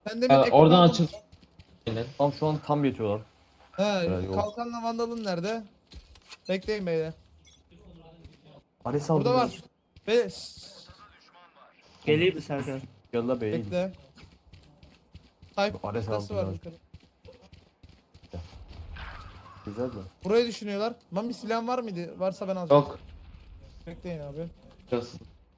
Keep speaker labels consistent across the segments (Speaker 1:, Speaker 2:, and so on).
Speaker 1: Sen demin
Speaker 2: Oradan
Speaker 1: ekran...
Speaker 2: açıl. Aynen.
Speaker 3: Tam şu an tam yetiyorlar.
Speaker 1: He,
Speaker 3: Yok.
Speaker 1: kalkanla vandalın nerede? Bekleyin beyler.
Speaker 3: Ares
Speaker 1: Burada
Speaker 3: aldım.
Speaker 1: var. Be
Speaker 4: Geleyim mi Serkan?
Speaker 3: Gel la bey.
Speaker 1: Bekle. Type
Speaker 3: Ares
Speaker 1: nasıl
Speaker 3: aldım
Speaker 1: var
Speaker 3: ben.
Speaker 1: yukarı?
Speaker 3: Güzel mi?
Speaker 1: Burayı düşünüyorlar. Mami silahın var mıydı? Varsa ben alacağım.
Speaker 2: Yok.
Speaker 1: Bekleyin abi.
Speaker 2: Biraz.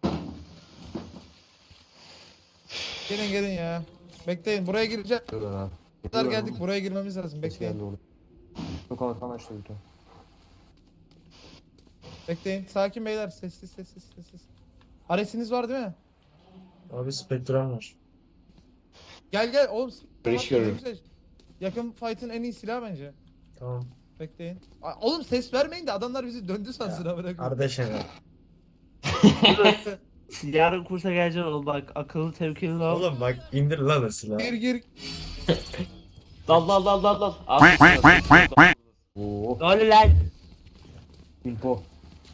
Speaker 1: Gelin gelin ya. Bekleyin buraya gireceğiz.
Speaker 3: Dur lan abi.
Speaker 1: Kadar geldik buraya girmemiz lazım.
Speaker 3: Ses
Speaker 1: Bekleyin.
Speaker 3: geldi orada. Çok alkan açtı bir tane.
Speaker 1: Bekleyin. Sakin beyler. Sessiz sessiz sessiz. Aresiniz var değil mi?
Speaker 5: Abi spektrum var.
Speaker 1: Gel gel oğlum.
Speaker 2: Barış
Speaker 1: Ne
Speaker 2: görüyorum.
Speaker 1: güzel. Yakın fight'ın en iyi silahı bence.
Speaker 5: Tamam.
Speaker 1: Bekleyin. Oğlum ses vermeyin de adamlar bizi döndü sansın ha bırakın.
Speaker 5: Kardeş evet.
Speaker 4: Yarın kursa geleceksin oğlum bak akıllı tevkili ol.
Speaker 5: Oğlum bak indir lan o silahı.
Speaker 1: Gir gir.
Speaker 2: Dal dal dal dal dal.
Speaker 3: Oo.
Speaker 4: Ne oluyor lan?
Speaker 3: Info.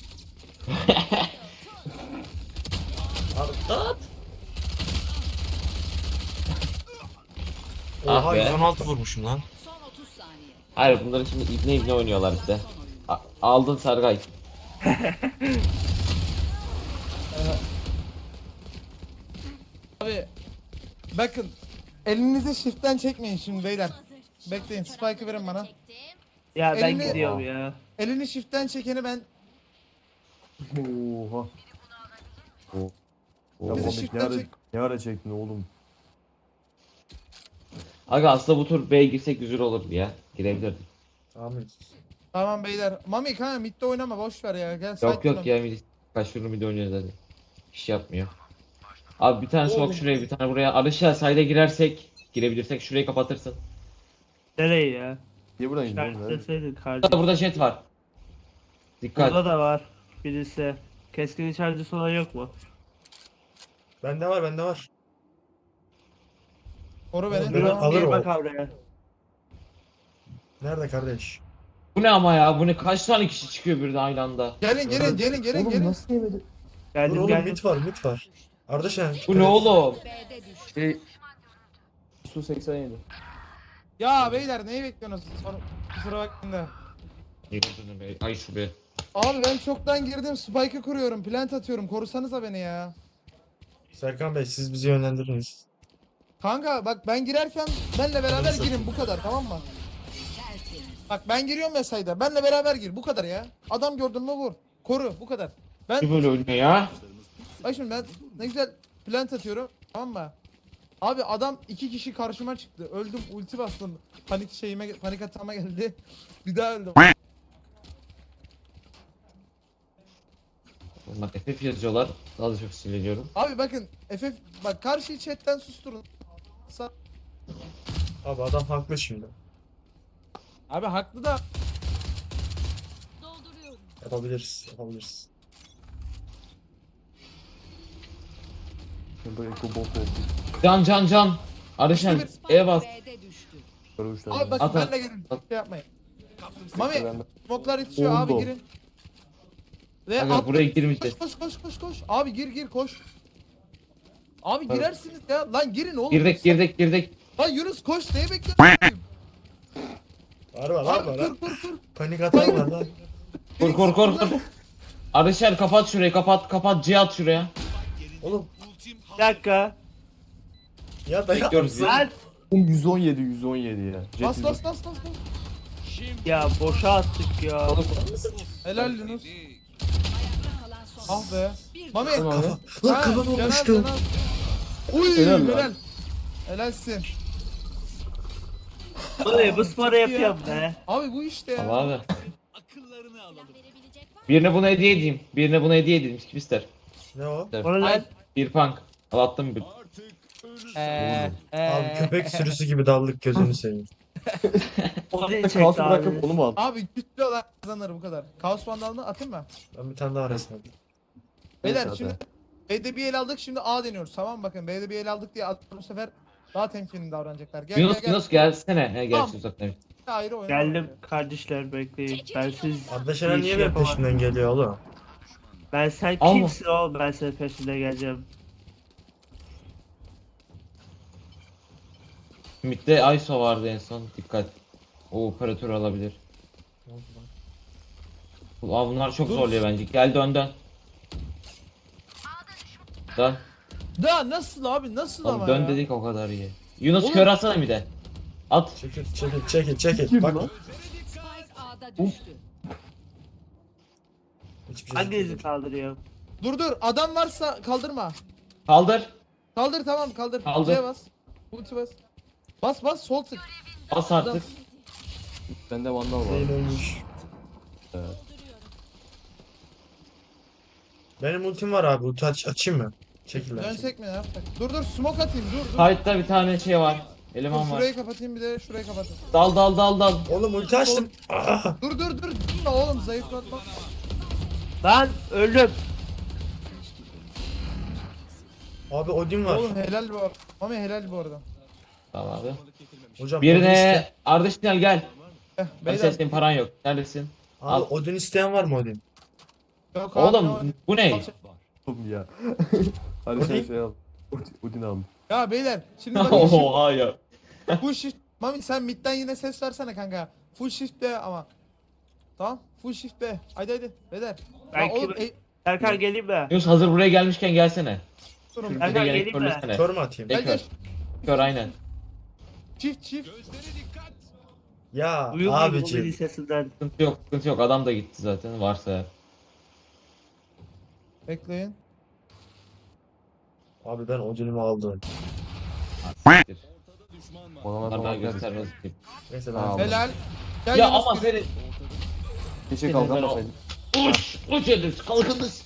Speaker 2: Ah
Speaker 5: Oha
Speaker 2: be.
Speaker 5: 116 vurmuşum lan.
Speaker 6: Son 30 saniye.
Speaker 2: Hayır bunların şimdi ibne oynuyorlar bir de. Aldın Sargay.
Speaker 1: Abi bakın elinizi shift'ten çekmeyin şimdi beyler. Bekleyin spike'ı verin bana.
Speaker 4: Ya ben
Speaker 1: Elini-
Speaker 4: gidiyorum ya.
Speaker 1: Elini shift'ten çekeni ben
Speaker 3: Oha. Ya
Speaker 1: Bizi
Speaker 3: Mami
Speaker 1: shift'ten
Speaker 3: ne ara,
Speaker 1: çek.
Speaker 3: ne ara çektin oğlum?
Speaker 2: Aga aslında bu tur B'ye girsek güzel olur ya. Girebilirdik.
Speaker 5: Tamam.
Speaker 1: tamam beyler. Mami kanka midde oynama boş ver ya. Gel
Speaker 2: Yok
Speaker 1: side
Speaker 2: yok ya millet kaç turnu bir de oynuyoruz hadi. İş yapmıyor. Abi bir tane smoke şuraya bir tane buraya. Arışa side'e girersek girebilirsek şurayı kapatırsın.
Speaker 4: Nereye ya?
Speaker 3: Niye buradan gidiyorsun?
Speaker 4: İşaretleseydin kardeşim.
Speaker 2: Burada jet var. Dikkat.
Speaker 4: Burada da var birisi. Keskin içericisi olan yok mu?
Speaker 5: Bende var bende var.
Speaker 1: Koru beni.
Speaker 5: Ben
Speaker 1: Tamam.
Speaker 5: alırım.
Speaker 4: Gel bak oraya.
Speaker 5: Nerede kardeş?
Speaker 2: Bu ne ama ya? Bu ne? Kaç tane kişi çıkıyor birden aynı anda?
Speaker 1: Gelin gelin gelin gelin
Speaker 3: Oğlum
Speaker 1: gelin.
Speaker 3: nasıl yemedi?
Speaker 5: Dur
Speaker 4: Geldim
Speaker 5: oğlum
Speaker 4: geldim.
Speaker 5: mit var mit var. Ardeşen.
Speaker 2: Bu ne oğlum?
Speaker 6: B'de düştü.
Speaker 3: Şey... Su 87.
Speaker 1: Ya beyler neyi bekliyorsunuz? Kusura bakmayın da.
Speaker 2: Yürüdün be. Ay şu be.
Speaker 1: Abi ben çoktan girdim spike'ı kuruyorum. Plant atıyorum. Korusanıza beni ya.
Speaker 5: Serkan Bey siz bizi yönlendiriniz.
Speaker 1: Kanka bak ben girerken benle beraber
Speaker 5: Nasıl?
Speaker 1: girin bu kadar tamam mı?
Speaker 6: Tertemiz.
Speaker 1: Bak ben giriyorum ya sayda. Benle beraber gir bu kadar ya. Adam gördün mü vur. Koru bu kadar. Ben
Speaker 2: Ne böyle oynuyor ya?
Speaker 1: bak şimdi ben ne güzel plant atıyorum tamam mı? Abi adam 2 kişi karşıma çıktı. Öldüm ulti bastım. Panik atağıma geldi. Bir daha öldüm.
Speaker 2: Bak FF yazıyorlar. Daha da çok sinirleniyorum.
Speaker 1: Abi bakın FF bak karşıyı chatten susturun.
Speaker 5: Abi adam haklı şimdi.
Speaker 1: Abi haklı da
Speaker 6: Dolduruyorum.
Speaker 5: Yapabiliriz yapabiliriz.
Speaker 3: Bu eko bot oldu.
Speaker 2: Can can can. Arışan E bas.
Speaker 6: B'de düştü.
Speaker 3: Böyle uçlar.
Speaker 1: abi bak
Speaker 2: At, at.
Speaker 1: benle gelin. Şey yapmayın. Mami
Speaker 3: Ben de-
Speaker 1: smoklar yetişiyor abi
Speaker 3: Oldu.
Speaker 1: girin. Ve
Speaker 2: Aga
Speaker 1: at.
Speaker 2: buraya girmeyeceğiz.
Speaker 1: Koş. Abi gir koş. Abi girersiniz ya. Lan girin oğlum.
Speaker 2: Girdik.
Speaker 1: Lan Yunus koş neye bekliyorsun?
Speaker 5: Var var
Speaker 1: Abi
Speaker 5: var var.
Speaker 1: dur.
Speaker 5: Panik atan var lan.
Speaker 2: Kur. Arışan kapat şurayı kapat C at şuraya.
Speaker 5: Oğlum
Speaker 4: Bir dakika.
Speaker 5: ya da
Speaker 2: Bekliyoruz.
Speaker 4: Lan.
Speaker 3: Oğlum 117 ya. Jet
Speaker 1: Bas
Speaker 3: 117.
Speaker 1: bas.
Speaker 4: Ya boşa attık ya.
Speaker 1: Helal Yunus.
Speaker 6: Ayakta kalan son.
Speaker 1: Ah be.
Speaker 6: Bir
Speaker 1: Mami.
Speaker 3: Tamam abi.
Speaker 5: Lan
Speaker 1: Ha,
Speaker 5: kafam
Speaker 1: Caner,
Speaker 5: olmuştu.
Speaker 1: Caner. Uy
Speaker 3: Helal lan.
Speaker 1: helal. Helalsin.
Speaker 4: Buraya bu sporu yapıyorum be.
Speaker 1: Abi bu işte ya.
Speaker 2: Tamam abi.
Speaker 6: verebilecek var mı?
Speaker 2: Birine bunu hediye edeyim. Birine bunu hediye edeyim. Kim ister?
Speaker 5: Ne o?
Speaker 4: Onu lan.
Speaker 2: Bir punk. Al attım bir.
Speaker 5: Abi köpek sürüsü gibi daldık gözünü seveyim.
Speaker 4: Onu
Speaker 3: Kaosu
Speaker 4: çekti abi.
Speaker 3: bırakıp onu mu al?
Speaker 1: Abi güçlü olan kazanır bu kadar. Kaos Vandal'ını atayım mı?
Speaker 5: Ben bir tane daha resmen.
Speaker 1: Beyler
Speaker 3: Neyse
Speaker 1: şimdi B'de bir el aldık şimdi A deniyoruz tamam mı? Bakın B'de bir el aldık diye bu sefer daha temkinli davranacaklar. Gel
Speaker 2: Yunus
Speaker 1: gel.
Speaker 2: gelsene. He
Speaker 1: Tamam.
Speaker 2: gerçi uzaktan.
Speaker 1: Ayrı oyun.
Speaker 4: Geldim kardeşler bekleyin. Ben siz
Speaker 5: Ardeşen
Speaker 4: bir
Speaker 5: niye
Speaker 4: şey
Speaker 5: benim
Speaker 4: yapamam.
Speaker 5: peşimden geliyor oğlum?
Speaker 4: Ben sen
Speaker 2: Alma.
Speaker 4: kimsin oğlum ben senin peşinde geleceğim.
Speaker 2: Mid'de ISO vardı en son. Dikkat. O operatör alabilir. Aa, bunlar çok
Speaker 1: Dur.
Speaker 2: zorluyor bence. Gel dön dön. Dön.
Speaker 1: Da nasıl abi nasıl
Speaker 2: Oğlum
Speaker 1: ama
Speaker 2: dön
Speaker 1: ya?
Speaker 2: dedik o kadar iyi. Yunus
Speaker 1: Oğlum.
Speaker 2: kör atsana bir de. At.
Speaker 5: Çekil. Bak
Speaker 6: Spike A'da düştü.
Speaker 5: hiçbir şey
Speaker 4: Hanginizi
Speaker 5: değil.
Speaker 4: kaldırıyor?
Speaker 1: Dur adam varsa kaldırma.
Speaker 2: Kaldır.
Speaker 1: Kaldır tamam kaldır.
Speaker 2: Kaldır.
Speaker 1: C'ye bas. Ulti bas. Bas sol tık.
Speaker 2: Bas
Speaker 1: Adam.
Speaker 2: artık.
Speaker 3: Bende vandal var.
Speaker 5: Zeyn ölmüş.
Speaker 3: Evet.
Speaker 5: Benim ultim var abi. Ulti açayım mı? Çekil lan.
Speaker 1: Dönsek mi ne yapsak? Dur smoke atayım dur.
Speaker 2: Side'da bir tane şey var.
Speaker 1: Dur,
Speaker 2: Eleman var.
Speaker 1: şurayı kapatayım bir de şurayı kapatayım.
Speaker 2: Dal.
Speaker 5: Oğlum ulti açtım. Ah!
Speaker 1: Dur. Durma oğlum zayıflatma.
Speaker 4: Lan öldüm.
Speaker 5: Abi Odin var.
Speaker 1: Oğlum helal bu arada. Mami helal bu arada.
Speaker 2: Tamam abi.
Speaker 5: Hocam Odin
Speaker 2: Birine Ardışinal gel.
Speaker 1: Eh,
Speaker 2: Hadi
Speaker 1: beyler.
Speaker 2: senin paran yok. Neredesin?
Speaker 5: Abi
Speaker 2: Al.
Speaker 5: Odin isteyen var mı Odin?
Speaker 1: Yok abi,
Speaker 2: Oğlum bu ne?
Speaker 3: Oğlum ya. Hadi sen şey al. Udin al.
Speaker 1: Ya beyler şimdi bak
Speaker 2: Oha ya.
Speaker 1: full shift. Mami sen midden yine ses versene kanka. Full shift B ama. Tamam full shift B. Haydi beyler.
Speaker 4: Ben
Speaker 1: Ya oğlum
Speaker 4: kim- Serkan geleyim mi?
Speaker 2: Yunus hazır buraya gelmişken gelsene.
Speaker 1: durun.
Speaker 2: Bir
Speaker 4: Ben
Speaker 2: de
Speaker 4: de
Speaker 2: gerek
Speaker 4: geleyim mi?
Speaker 2: körlesene.
Speaker 5: Kör mü atayım?
Speaker 1: Gel gel.
Speaker 2: Kör aynen.
Speaker 1: Çift.
Speaker 5: Ya
Speaker 4: Duyuyor muyum o
Speaker 5: abiciğim.
Speaker 4: beni sesinden?
Speaker 2: Sıkıntı yok. Adam da gitti zaten varsa eğer.
Speaker 1: Bekleyin.
Speaker 5: Abi ben Odin'imi aldım.
Speaker 2: Siktir.
Speaker 3: Bana
Speaker 2: Onlar daha
Speaker 3: falan
Speaker 2: göstermez ki.
Speaker 5: Neyse
Speaker 3: Tamam.
Speaker 5: ben
Speaker 1: Helal. Gel
Speaker 2: Ya
Speaker 1: Yunus
Speaker 2: ama
Speaker 1: gir.
Speaker 2: senin
Speaker 3: Keşke kalkamasaydım.
Speaker 2: uç edin kalkınız.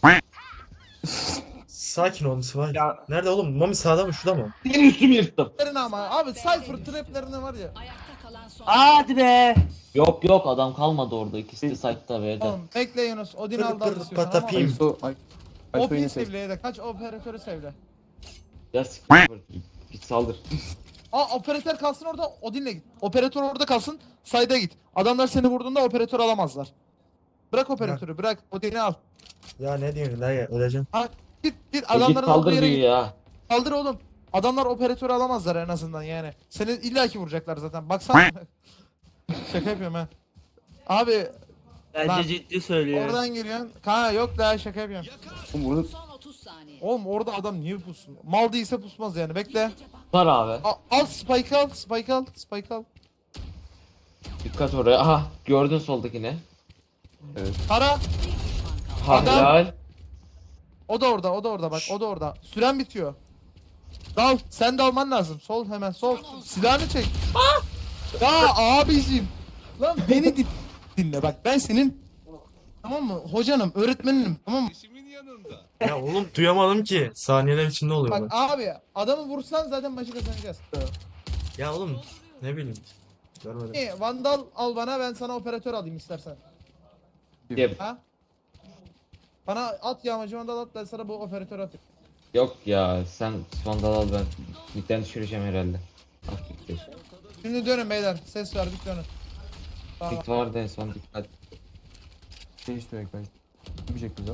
Speaker 5: sakin olun Sıvay.
Speaker 4: Ya
Speaker 5: Nerede oğlum? Mami sağda mı şurada mı?
Speaker 2: Senin üstümü yırttım.
Speaker 1: Traplerini ama abi Cypher traplerini var ya.
Speaker 6: Ayakta kalan son.
Speaker 4: hadi be.
Speaker 2: Yok adam kalmadı orada. İkisi de site'da B'de.
Speaker 1: Oğlum bekle Yunus. Odin
Speaker 5: Kır,
Speaker 1: aldı
Speaker 5: kır,
Speaker 1: istiyorsan ama.
Speaker 5: patapim.
Speaker 3: Ayso
Speaker 1: OP
Speaker 3: yine sev.
Speaker 1: sevleye de kaç operatörü sevle.
Speaker 2: Ya siktir. Git saldır.
Speaker 1: Aa operatör kalsın orada Odin'le git. Operatör orada kalsın sayda git. Adamlar seni vurduğunda operatör alamazlar. Bırak operatörü bırak Odin'i al.
Speaker 5: Ya ne diyorsun lan ya? Öleceğim.
Speaker 1: Git
Speaker 2: Git
Speaker 1: adamların olduğu
Speaker 2: saldır
Speaker 1: yere
Speaker 2: diyor
Speaker 1: git.
Speaker 2: ya.
Speaker 1: Kaldır oğlum. Adamlar operatörü alamazlar en azından yani. Seni illaki vuracaklar zaten. Baksana. Şaka yapıyorum ha. Abi
Speaker 4: Bence
Speaker 1: Lan,
Speaker 4: ciddi söylüyor.
Speaker 1: oradan geliyorsun. Kanka yok daha şaka yapıyorum.
Speaker 3: Oğlum burada
Speaker 6: Son 30 saniye.
Speaker 1: Oğlum orada adam niye pussun? Mal değilse pusmaz yani bekle.
Speaker 2: Var abi.
Speaker 1: Al Spike al.
Speaker 2: Dikkat oraya. Aha gördün soldakini.
Speaker 1: Ara.
Speaker 2: Ha
Speaker 1: Adam-
Speaker 2: helal.
Speaker 1: O da orada bak o da orada. Süren bitiyor. Dal sen de alman lazım. Sol hemen sol. Silahını çek. Ya abicim. Lan beni dinle bak ben senin tamam mı? Hocanım, öğretmeninim tamam mı?
Speaker 5: Ya oğlum duyamadım ki. Saniyeler içinde oluyor
Speaker 1: Bak
Speaker 5: bu.
Speaker 1: abi adamı vursan zaten maçı kazanacağız.
Speaker 5: Ya oğlum ne bileyim. Görmedim.
Speaker 1: İyi, Vandal al bana ben sana operatör alayım istersen.
Speaker 2: Yep.
Speaker 1: Ha? Bana at yağmacı Vandal at ben sana bu operatörü atayım.
Speaker 2: Yok ya sen Vandal al ben. Midden düşüreceğim herhalde. Ah bitti.
Speaker 1: Şimdi dönün beyler. Ses verdik dönün. Tamam.
Speaker 2: Mid vardı en son dikkat.
Speaker 3: değiştirmek ben. Bir şekilde.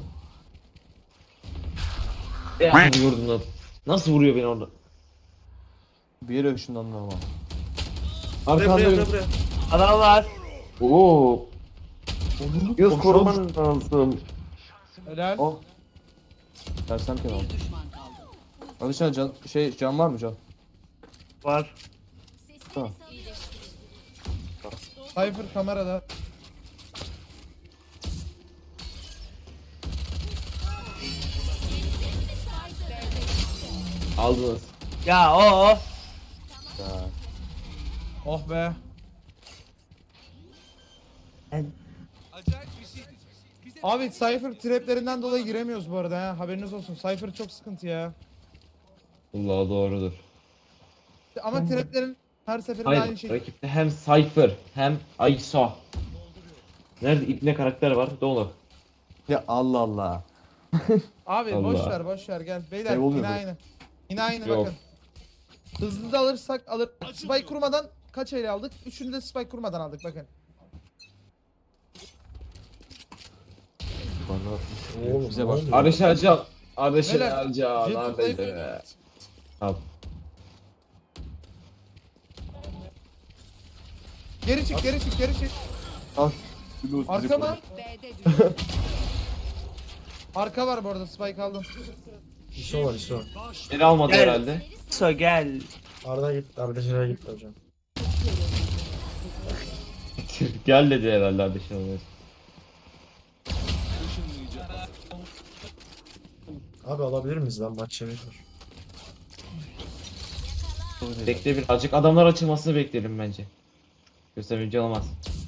Speaker 2: Ya vurdum lan. Nasıl vuruyor beni orada?
Speaker 3: Bir yere ışınlandım ama.
Speaker 5: Buraya.
Speaker 4: Adam var.
Speaker 2: Oo. Yunus koruman lazım.
Speaker 1: Helal.
Speaker 3: Oh. Tersem kenar.
Speaker 6: Bir düşman kaldı.
Speaker 3: Alışan can var mı can?
Speaker 4: Var.
Speaker 3: Tamam.
Speaker 1: Cypher kamerada.
Speaker 2: Aldınız.
Speaker 4: Ya o.
Speaker 3: Ya.
Speaker 1: Oh be. Abi Cypher traplerinden dolayı giremiyoruz bu arada ha. Haberiniz olsun. Cypher çok sıkıntı ya.
Speaker 2: Allah doğrudur.
Speaker 1: Ama traplerin her seferinde aynı
Speaker 2: Hayır
Speaker 1: şey.
Speaker 2: rakipte hem Cypher hem ISO. Nerede ipne karakter var? Dolu.
Speaker 3: Ya Allah Allah.
Speaker 1: Abi
Speaker 2: Allah.
Speaker 1: boş ver gel. Beyler
Speaker 3: Şey oluyor
Speaker 1: yine
Speaker 3: mu?
Speaker 1: aynı. Yine aynı
Speaker 2: Yok.
Speaker 1: bakın. Hızlı da alırsak alır. Spike kurmadan kaç ele aldık? Üçünü de spike kurmadan aldık bakın.
Speaker 3: Bana
Speaker 5: Oğlum,
Speaker 3: bize
Speaker 5: ne
Speaker 3: bak.
Speaker 5: oluyor?
Speaker 2: Arış Alcan. Arış
Speaker 1: Beyler,
Speaker 2: Alcan.
Speaker 1: Jet
Speaker 2: Neredeydi
Speaker 1: Fly-
Speaker 2: be? Al.
Speaker 1: Geri çık, geri çık, geri çık.
Speaker 3: Al. Bir de
Speaker 1: Arka mı?
Speaker 6: B'de düştü.
Speaker 1: Arka var bu arada, spike aldım.
Speaker 5: ISO var ISO.
Speaker 2: Beni almadı
Speaker 4: Gel.
Speaker 2: herhalde.
Speaker 4: So gel.
Speaker 5: Arda gitti. Arda şuraya gitti hocam.
Speaker 2: Gel dedi herhalde Ardışan.
Speaker 5: Abi alabilir miyiz lan maç yemek var.
Speaker 2: Bekle birazcık adamlar açılmasını bekleyelim bence. Göstermeyince olmaz.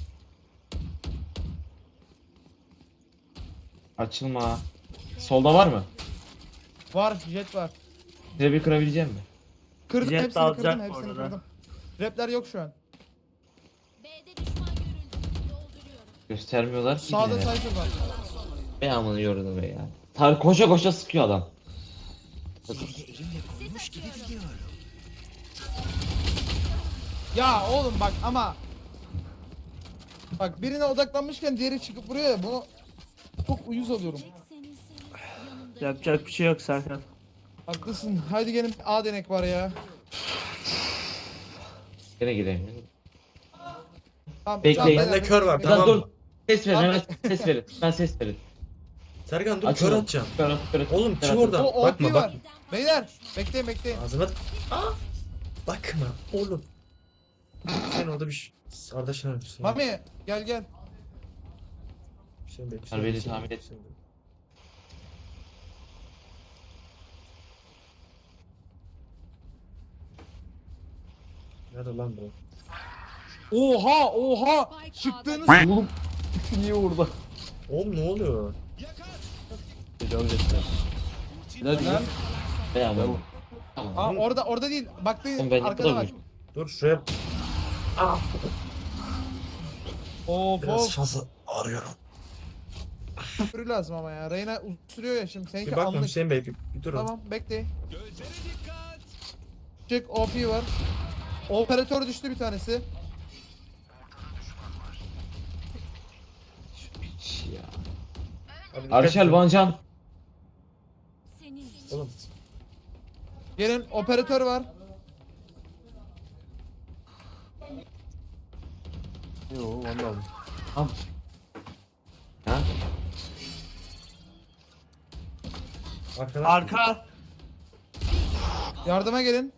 Speaker 2: Açılma. Solda var mı?
Speaker 1: Var, jet var.
Speaker 2: Size bir kırabilecek mi?
Speaker 1: Kırdım,
Speaker 4: Jet
Speaker 1: hepsini
Speaker 4: alacak
Speaker 1: kırdım,
Speaker 4: bu
Speaker 1: hepsini
Speaker 4: arada.
Speaker 1: kırdım. Repler yok şu an.
Speaker 7: B'de düşman görüldü. Dolduruyorum.
Speaker 2: Göstermiyorlar ki.
Speaker 1: Sağda
Speaker 2: yine.
Speaker 1: Cypher var.
Speaker 2: Ben amını yordum be ya. Koşa koşa sıkıyor adam.
Speaker 1: Ya oğlum bak ama. Bak birine odaklanmışken diğeri çıkıp vuruyor ya, bunu çok uyuz oluyorum.
Speaker 7: Yanımda
Speaker 4: Yapacak bir şey yok Serkan.
Speaker 1: Haklısın. Haydi gelin, A denek var ya.
Speaker 2: Gene gireyim.
Speaker 1: Tamam,
Speaker 2: Bekleyin.
Speaker 1: can
Speaker 5: Bende kör var,
Speaker 1: beyler.
Speaker 5: tamam.
Speaker 2: Dur. Ses verin hemen ses verin. Ben ses verin.
Speaker 5: Serkan dur
Speaker 2: Açılın.
Speaker 5: kör atacağım.
Speaker 2: Kör.
Speaker 5: Oğlum
Speaker 2: Kör
Speaker 5: çık
Speaker 2: atın.
Speaker 5: oradan.
Speaker 1: O
Speaker 5: Bakma
Speaker 1: OP
Speaker 5: bak.
Speaker 1: var. Beyler bekleyin, bekleyin.
Speaker 5: Ağzıma... Aa! Bakma oğlum. Sen orada bir şey... Arda Şener.
Speaker 1: Mami gel gel.
Speaker 5: Sen bekle.
Speaker 2: Harbeli tahmin et.
Speaker 5: Nerede lan bu?
Speaker 1: Oha oha.
Speaker 6: Spike
Speaker 1: Çıktığınız
Speaker 3: Oğlum. Niye orada?
Speaker 5: Oğlum ne oluyor?
Speaker 3: Tecavüz etti. Ne diyor?
Speaker 2: Ben amını.
Speaker 3: Tamam.
Speaker 2: Tamam.
Speaker 1: Aa, orada değil. Baktığın
Speaker 2: Oğlum ben
Speaker 1: arkada var.
Speaker 2: yapamıyorum.
Speaker 5: Dur şuraya
Speaker 1: Of
Speaker 5: biraz
Speaker 1: of.
Speaker 5: fazla arıyorum.
Speaker 1: Sürü lazım ama ya. Reyna sürüyor ya şimdi.
Speaker 5: Bir
Speaker 1: Seninki
Speaker 5: bakma
Speaker 1: anlık.
Speaker 5: Hüseyin Bey bir durun.
Speaker 1: Tamam bekle. Çık, OP var. Operatör düştü bir tanesi.
Speaker 2: Şu piç ya.
Speaker 5: Abi dikkat
Speaker 2: Arşel
Speaker 5: edin.
Speaker 2: Vancan.
Speaker 7: senin
Speaker 5: Oğlum
Speaker 1: Gelin, operatör var.
Speaker 3: Yo vallahi.
Speaker 2: Al. Ha?
Speaker 5: arkadan.
Speaker 4: Arka.
Speaker 1: Yardıma gelin.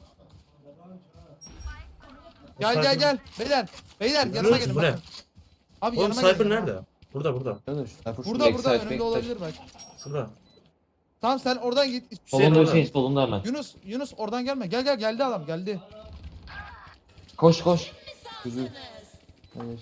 Speaker 1: Gel
Speaker 5: Cypher-
Speaker 1: gel gel. Beyler. Beyler yanıma
Speaker 5: Görüyoruz,
Speaker 1: gelin
Speaker 5: bu ne?
Speaker 1: bakın. Abi
Speaker 5: Oğlum
Speaker 1: yanıma
Speaker 5: Cypher
Speaker 1: gelin.
Speaker 5: nerede? Burada.
Speaker 3: Nerede şu tarafa
Speaker 1: Burada
Speaker 2: Backside,
Speaker 1: önümde
Speaker 2: backside.
Speaker 1: olabilir bak.
Speaker 5: Şurada.
Speaker 1: Tamam sen oradan git.
Speaker 5: Hüseyin
Speaker 2: Solunda
Speaker 5: orada.
Speaker 2: Hüseyin solunda hemen.
Speaker 1: Yunus oradan gelme. Gel geldi adam geldi.
Speaker 2: Koş.
Speaker 3: Güzel. Hayır.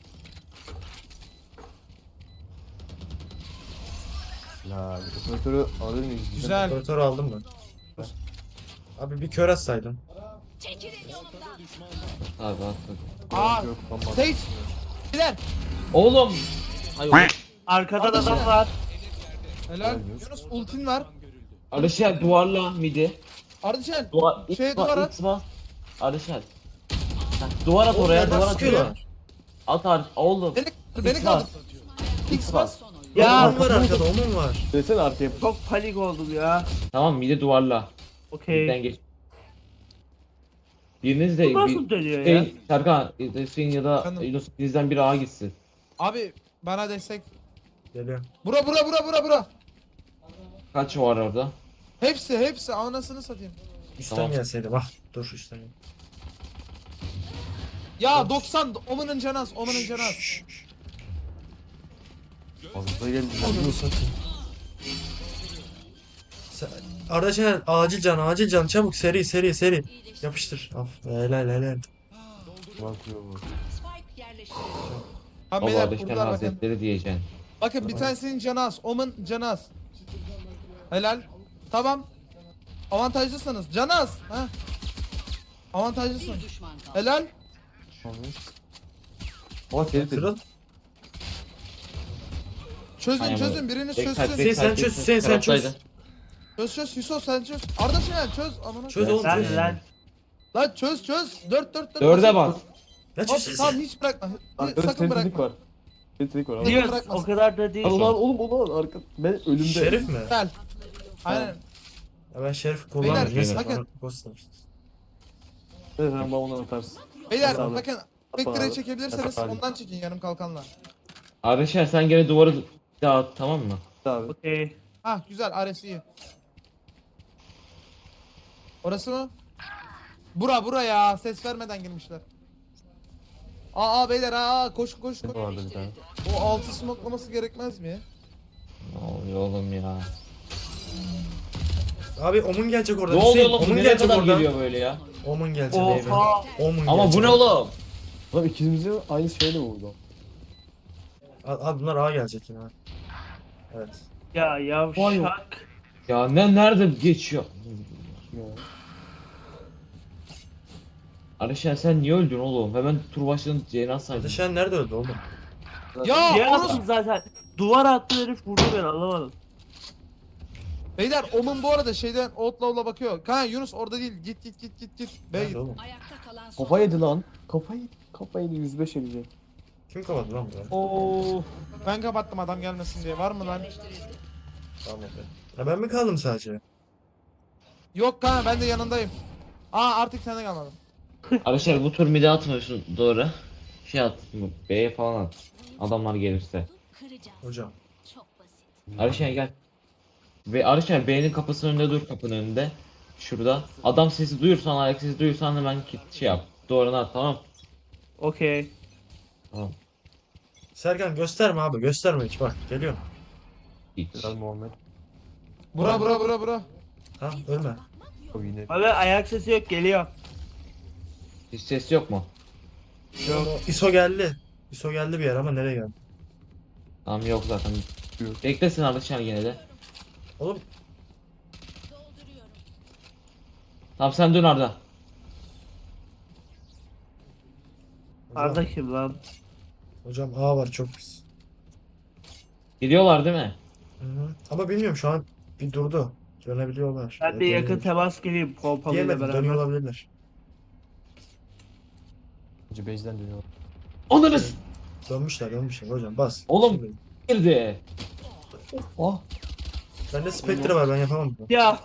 Speaker 3: La operatörü alır mıyız?
Speaker 1: Güzel.
Speaker 5: Operatör aldım ben. Abi bir kör atsaydın.
Speaker 7: çekilin yolumdan.
Speaker 2: Abi bak.
Speaker 1: Aa
Speaker 3: Yok tamam.
Speaker 1: Sage. Beyler.
Speaker 2: Oğlum. Ay oğlum.
Speaker 4: Arkada da
Speaker 1: Arkadaşlar.
Speaker 4: adam var.
Speaker 1: Helal. Yunus ultin var.
Speaker 2: Arşel duvarla midi.
Speaker 1: Ardışen.
Speaker 2: Duvar.
Speaker 1: Duvar at.
Speaker 2: Arşel. Duvar at
Speaker 5: Oğlum
Speaker 2: oraya
Speaker 5: nereden
Speaker 2: duvar at
Speaker 5: sıkıyorlar?
Speaker 2: oraya. At oğlum.
Speaker 1: Beni kaldır. X bas.
Speaker 6: son oyun.
Speaker 4: Ya
Speaker 5: Omun var arkada omun var.
Speaker 3: Desene arkaya.
Speaker 4: çok panik oldum ya.
Speaker 2: Tamam midi duvarla.
Speaker 4: Okey.
Speaker 2: Midden geç. Biriniz de
Speaker 4: Bu nasıl dönüyor ya?
Speaker 2: Hüseyin, Serkan, Hüseyin ya da
Speaker 1: Efendim?
Speaker 2: Yunus bizden biri A gitsin.
Speaker 1: Abi bana destek.
Speaker 5: Geliyor.
Speaker 1: Bura.
Speaker 2: Kaç var orada?
Speaker 1: Hepsi anasını satayım.
Speaker 5: Üstten
Speaker 2: Tamam.
Speaker 5: gelseydi bak. Dur üstten gel.
Speaker 1: Ya 90 Omen'ın canaz.
Speaker 3: Fazla geldi.
Speaker 5: Ananı satayım. Arda Şener acil can çabuk seri. Yapıştır. Af helal.
Speaker 3: Bakıyor bu.
Speaker 6: Spike yerleştirildi.
Speaker 1: Ha
Speaker 2: O
Speaker 1: beyler
Speaker 2: Ateşten
Speaker 1: kurdular bakın.
Speaker 2: Hazretleri diyeceksin.
Speaker 1: Bakın bir tanesinin canaz. Omen canaz. Helal. Tamam. Avantajlısınız. Canaz. Ha. Avantajlısın.
Speaker 6: Bir düşman kaldı.
Speaker 1: Helal.
Speaker 3: Ama seni de.
Speaker 5: Kırıl.
Speaker 2: Aynen
Speaker 1: Çözün
Speaker 2: öyle.
Speaker 1: biriniz
Speaker 2: Backside,
Speaker 1: çözsün.
Speaker 5: Hüseyin sen
Speaker 2: backside,
Speaker 5: çöz, Hüseyin sen çöz.
Speaker 2: taraftaydı.
Speaker 1: Çöz Hüso sen çöz. Arda Şener çöz. Amına.
Speaker 5: Çöz oğlum
Speaker 4: Lan
Speaker 5: çöz.
Speaker 4: lan.
Speaker 1: Lan çöz. 4.
Speaker 2: Dörde bas.
Speaker 5: Ne
Speaker 1: Hop,
Speaker 5: çözsün
Speaker 1: tamam
Speaker 5: sen?
Speaker 1: hiç bırakma.
Speaker 3: Arkada
Speaker 1: Sakın
Speaker 3: sentetik
Speaker 1: bırakma.
Speaker 3: var. Sentetik var abi.
Speaker 1: Diyor.
Speaker 4: Diyoruz
Speaker 1: bırakmasın.
Speaker 4: o kadar da değil.
Speaker 3: Al lan oğlum arka. Ben ölümde.
Speaker 5: Şerif mi?
Speaker 1: Gel. Aynen.
Speaker 5: Ya ben şerif kullanmıyorum.
Speaker 1: Beyler,
Speaker 5: Neyse
Speaker 1: bakın.
Speaker 5: bana ghost demiştim.
Speaker 3: Evet sen bana onu atarsın.
Speaker 1: Beyler
Speaker 3: Sağ olun.
Speaker 1: bakın Spectre'yi
Speaker 3: abi.
Speaker 1: çekebilirseniz
Speaker 3: Yapar.
Speaker 1: ondan çekin yarım kalkanla.
Speaker 2: Arkadaşlar sen gene duvarı dağıt, tamam mı?
Speaker 3: Abi.
Speaker 4: Okey.
Speaker 1: Hah güzel Ares iyi. Orası mı? Bura ya ses vermeden girmişler. Beyler koş koş koş.
Speaker 3: Vardı bir tane.
Speaker 1: O altı smoklaması gerekmez mi?
Speaker 2: Ne oluyor oğlum ya?
Speaker 5: Abi Omun gelecek orada.
Speaker 2: Ne oluyor
Speaker 5: Hüseyin,
Speaker 2: oğlum? Bu
Speaker 5: Omun
Speaker 2: nereye
Speaker 5: gelecek
Speaker 2: kadar
Speaker 5: orada.
Speaker 2: geliyor böyle ya?
Speaker 5: Omun gelecek baby.
Speaker 4: Oha.
Speaker 5: Omun
Speaker 2: Ama bu
Speaker 5: gelecek.
Speaker 2: ne oğlum?
Speaker 3: Lan ikimizi aynı şeyle vurdu.
Speaker 5: Abi bunlar A gelecek yine. Evet.
Speaker 4: Ya yavşak.
Speaker 2: Ya nerede geçiyor?
Speaker 3: Ya.
Speaker 2: Arkadaşlar sen niye öldün oğlum? Hemen tur başladın Ceylan saydın.
Speaker 5: Kardeşen nerede öldü oğlum?
Speaker 1: Ya
Speaker 4: Diğer
Speaker 1: orası.
Speaker 4: attım zaten. Duvar attı herif vurdu beni anlamadım.
Speaker 1: Beyler Omun bu arada şeyden Outlaw'la bakıyor. Kanka Yunus orada değil. Git. Bey.
Speaker 5: Nerede oğlum?
Speaker 6: Ayakta kalan son.
Speaker 3: Kafa yedi lan. Kafa yedi 105 edecek.
Speaker 5: Kim kapattı lan burayı?
Speaker 1: Oo. Ben kapattım adam gelmesin diye. Var mı lan?
Speaker 6: Yerleştirildi.
Speaker 5: Tamam abi. Ya ben mi kaldım sadece?
Speaker 1: Yok kanka ben de yanındayım. Artık sende kalmadım.
Speaker 2: Arkadaşlar bu tur mide atmıyorsun doğru. Şey at, bu B'ye falan at. Adamlar gelirse.
Speaker 7: Kıracağız.
Speaker 5: Hocam.
Speaker 7: Çok basit.
Speaker 2: Arkadaşlar gel. Ve arkadaşlar B'nin kapısının önünde dur, kapının önünde. Şurada. Adam sesi duyursan, ayak sesi duyursan hemen şey yap. Doğruna at, tamam.
Speaker 4: Okey.
Speaker 2: Tamam.
Speaker 5: Serkan gösterme abi gösterme hiç bak geliyorum.
Speaker 2: Hiç.
Speaker 3: Helal Muhammed.
Speaker 1: Bura.
Speaker 5: Tamam ölme.
Speaker 3: O yine.
Speaker 4: Abi ayak sesi yok geliyor.
Speaker 2: Hiç ses yok mu?
Speaker 5: ISO geldi. ISO geldi bir yer ama nereye geldi?
Speaker 2: Tamam yok zaten.
Speaker 3: Yok.
Speaker 2: Beklesin arkadaşlar yine de.
Speaker 5: Oğlum
Speaker 7: Dolduruyorum.
Speaker 2: Tamam sen dön Arda.
Speaker 4: Arda kim lan?
Speaker 5: hocam A var çok pis.
Speaker 2: Gidiyorlar değil mi?
Speaker 5: Hı-hı. Ama bilmiyorum şu an bir durdu. Dönebiliyorlar.
Speaker 4: Ben de yakın
Speaker 5: Dönüyor.
Speaker 4: temas geleyim pompalıyla
Speaker 5: Diyemedi
Speaker 4: beraber.
Speaker 5: dönüyor olabilirler.
Speaker 3: Bence base'den dönüyor.
Speaker 2: Onuruz
Speaker 5: Dönmüşler hocam bas.
Speaker 2: Oğlum.
Speaker 5: Şimdi.
Speaker 2: girdi.
Speaker 3: Ah.
Speaker 5: Bende Spectre var ben yapamam bunu.
Speaker 4: Ya.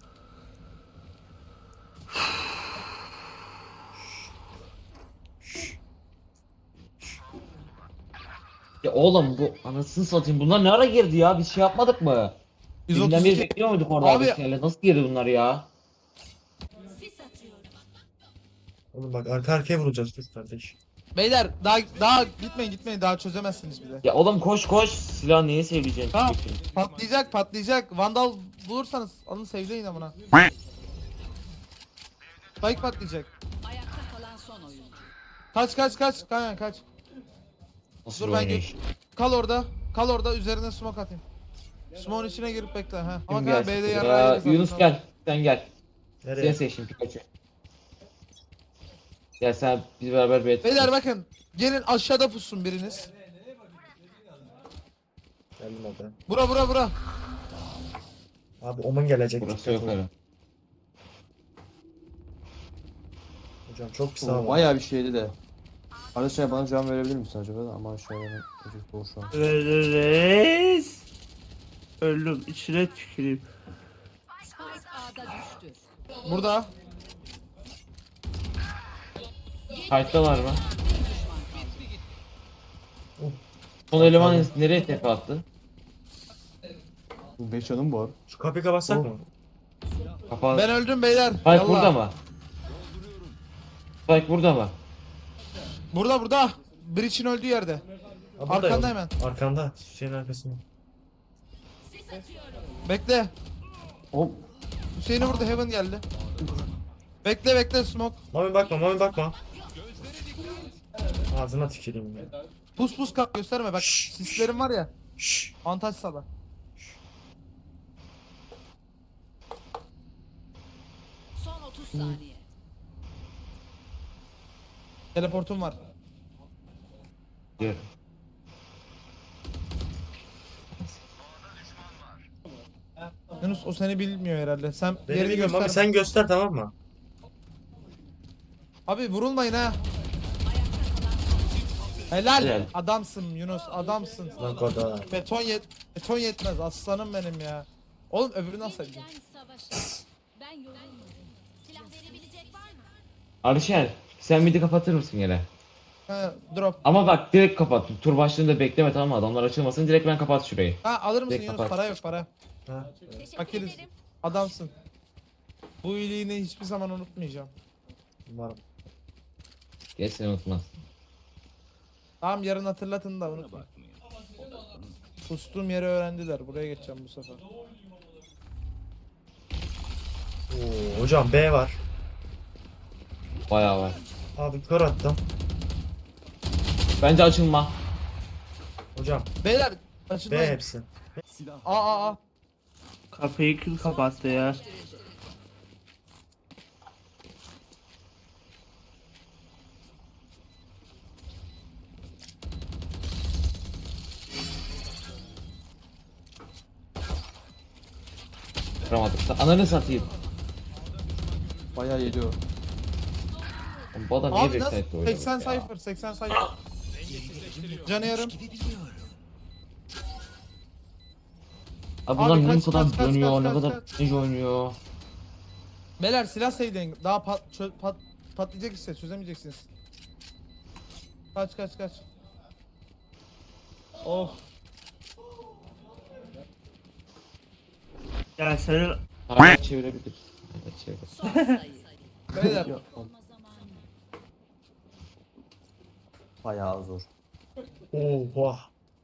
Speaker 2: Ya oğlum bu anasını satayım bunlar ne ara girdi ya? Biz şey yapmadık mı? Bizden bir
Speaker 1: 132.
Speaker 2: bekliyor muyduk orada
Speaker 1: Abi-
Speaker 2: arkadaşlarla? Nasıl girdi bunlar ya?
Speaker 7: Sis atıyorum.
Speaker 5: Oğlum bak arka arkaya vuracağız dur kardeş.
Speaker 1: Beyler daha gitmeyin daha çözemezsiniz bile.
Speaker 2: Ya oğlum koş silah niye seveceksin?
Speaker 1: Tamam. Patlayacak. Vandal bulursanız alın sevleyin amına. Spike patlayacak.
Speaker 6: Ayakta kalan son oyuncu.
Speaker 1: Kaç. Kanka kaç.
Speaker 2: Nasıl
Speaker 1: Dur
Speaker 2: bir
Speaker 1: ben
Speaker 2: oynayış?
Speaker 1: Kal orada üzerine smoke atayım. Smoke'un içine girip bekle ha. Ama
Speaker 2: Kim
Speaker 1: kanka
Speaker 2: gelsin?
Speaker 1: B'de
Speaker 2: Ya,
Speaker 1: yarrağı
Speaker 2: Yunus gel. Sen gel. Sen
Speaker 5: Nereye?
Speaker 2: seçtin Pikachu. Gel sen biz beraber bir
Speaker 1: Beyler bakın. Gelin aşağıda pussun biriniz.
Speaker 5: Geldim abi.
Speaker 1: Bura.
Speaker 5: Abi Omun gelecek.
Speaker 2: Burası
Speaker 5: dikkat
Speaker 2: yok
Speaker 5: olun.
Speaker 2: öyle.
Speaker 5: Hocam çok pis
Speaker 3: O
Speaker 5: abi.
Speaker 3: bayağı bir şeydi de. Arkadaşlar bana cevap verebilir misin acaba da? Ama aşağıya benim çocuk doğru şu an.
Speaker 4: Reis. Öldüm içine tüküreyim.
Speaker 6: Spike A'da düştü.
Speaker 1: Burada.
Speaker 2: Kayıttalar mı?
Speaker 5: Oh.
Speaker 2: Son eleman nereye tepe attı?
Speaker 3: 5 canım var.
Speaker 5: Şu kapıyı kapatsak
Speaker 3: Oh.
Speaker 5: mı?
Speaker 2: Kafa...
Speaker 1: Ben öldüm beyler.
Speaker 2: Spike
Speaker 1: Yallah.
Speaker 2: burada mı? Spike burada mı?
Speaker 1: Burada. Breach'in öldüğü yerde.
Speaker 5: Ha, burada
Speaker 1: Arkanda
Speaker 5: ya.
Speaker 1: hemen.
Speaker 5: Arkanda. Şeyin arkasında.
Speaker 7: Sis atıyorum.
Speaker 1: Bekle.
Speaker 3: Hop.
Speaker 1: Hüseyin'i vurdu Heaven geldi. Bekle smoke.
Speaker 5: Mami bakma. Ağzına tüküreyim ya.
Speaker 1: Pus kalk gösterme bak.
Speaker 5: Şşş.
Speaker 1: Sislerim var ya.
Speaker 5: Şşş.
Speaker 1: Avantaj sağla.
Speaker 6: Son 30 saniye.
Speaker 1: Teleportum var.
Speaker 2: Diyor.
Speaker 1: Yunus o seni bilmiyor herhalde. Sen
Speaker 5: Beni
Speaker 1: yerini
Speaker 5: bilmiyorum
Speaker 1: göster.
Speaker 5: Mami sen göster tamam mı?
Speaker 1: Abi vurulmayın ha. Helal.
Speaker 2: Helal.
Speaker 1: Adamsın Yunus adamsın.
Speaker 5: Lan koda.
Speaker 1: Beton yetmez aslanım benim ya. Oğlum öbürünü nasıl edeceğim?
Speaker 7: Yeniden savaşa. Ben yorulmadım. Silah verebilecek var mı?
Speaker 2: Arşer sen midi kapatır mısın yine?
Speaker 1: He, drop.
Speaker 2: Ama bak direkt kapat. Tur başlığında bekleme, tamam mı? Adamlar açılmasın, direkt ben kapat şurayı.
Speaker 1: Ha alır mısın
Speaker 2: Direkt
Speaker 1: Yunus?
Speaker 2: kapat.
Speaker 1: Para yok para.
Speaker 5: Ha.
Speaker 7: Teşekkür
Speaker 1: Bakeriz.
Speaker 7: ederim.
Speaker 1: Adamsın. Bu iyiliğini hiçbir zaman unutmayacağım.
Speaker 5: Umarım.
Speaker 2: Geç, seni unutmaz.
Speaker 1: Tamam yarın hatırlatın da unutma. Kustuğum yeri öğrendiler. Buraya geçeceğim bu sefer.
Speaker 5: Oo, hocam B var.
Speaker 2: Bayağı var.
Speaker 5: Abi kör attım.
Speaker 2: Bence açılma.
Speaker 5: Hocam
Speaker 1: Beyler
Speaker 5: B
Speaker 1: açılmayın.
Speaker 5: hepsi.
Speaker 1: Aa.
Speaker 4: Kapıyı kim kapattı ya?
Speaker 2: Kıramadık. Ananı satayım.
Speaker 3: Bayağı yedi o.
Speaker 2: Bu adam niye
Speaker 1: Abi nasıl?
Speaker 2: backside'de oynadı
Speaker 1: 80
Speaker 2: ya?
Speaker 1: sayfır 80 sayfır. Canı yarım.
Speaker 2: Abi bunlar
Speaker 1: Abi
Speaker 2: ne
Speaker 1: kaç,
Speaker 2: kadar
Speaker 1: kaç, kaç,
Speaker 2: dönüyor,
Speaker 1: kaç,
Speaker 2: ne
Speaker 1: kaç,
Speaker 2: kadar
Speaker 1: kaç.
Speaker 2: ninja oynuyor.
Speaker 1: Beyler silah sevdiğin daha patlayacak işte çözemeyeceksiniz. Kaç. Oh.
Speaker 4: Ya senin
Speaker 2: Hala çevirebilir. Evet, çevir.
Speaker 6: Son sayı.
Speaker 1: Beyler
Speaker 3: Ya, bayağı zor.
Speaker 5: Oha.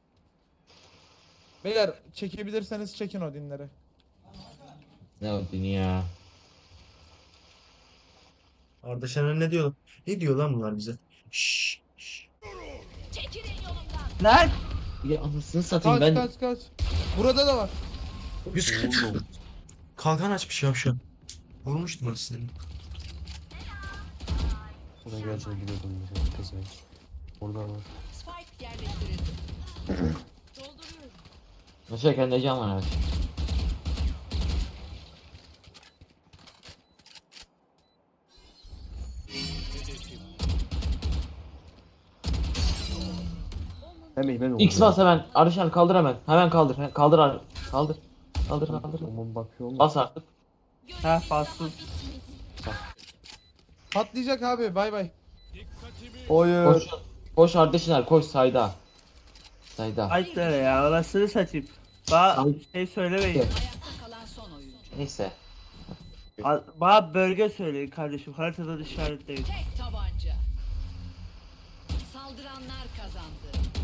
Speaker 1: beyler çekebilirseniz çekin o dinleri.
Speaker 2: Ne o dünya.
Speaker 5: Arda Şener ne diyor? Ne diyor lan bunlar bize? Şşş.
Speaker 7: Çekilin yolumdan.
Speaker 4: lan
Speaker 2: Ya anasını satayım ben.
Speaker 1: Kaç. Burada da var.
Speaker 5: 140. Kalkan açmış yavşak. Vurmuştum orasını.
Speaker 3: Oraya geleceğini biliyordum. Mesela, pezevenk. Orada var.
Speaker 6: Spike yerleştirildi.
Speaker 7: Dolduruyorum.
Speaker 2: Nasıl kendi can var artık.
Speaker 3: Hem ben
Speaker 2: X bas hemen. Arışan kaldır hemen. Hemen kaldır. Kaldır Ar- Kaldır. Kaldır.
Speaker 3: Aman bakıyor mu?
Speaker 2: Bas artık.
Speaker 4: ha bastın.
Speaker 1: Patlayacak abi bay bay.
Speaker 3: Hayır.
Speaker 2: Koş. Koş Ardeşiner, koş sayda. Sayda.
Speaker 4: Ay dere ya orasını satayım. Bana
Speaker 2: Ay.
Speaker 4: şey söylemeyin.
Speaker 6: Ayakta kalan son oyuncu.
Speaker 2: Neyse.
Speaker 4: Bana bölge söyleyin kardeşim. Haritada işaretleyin.
Speaker 6: Tek tabanca. Saldıranlar kazandı.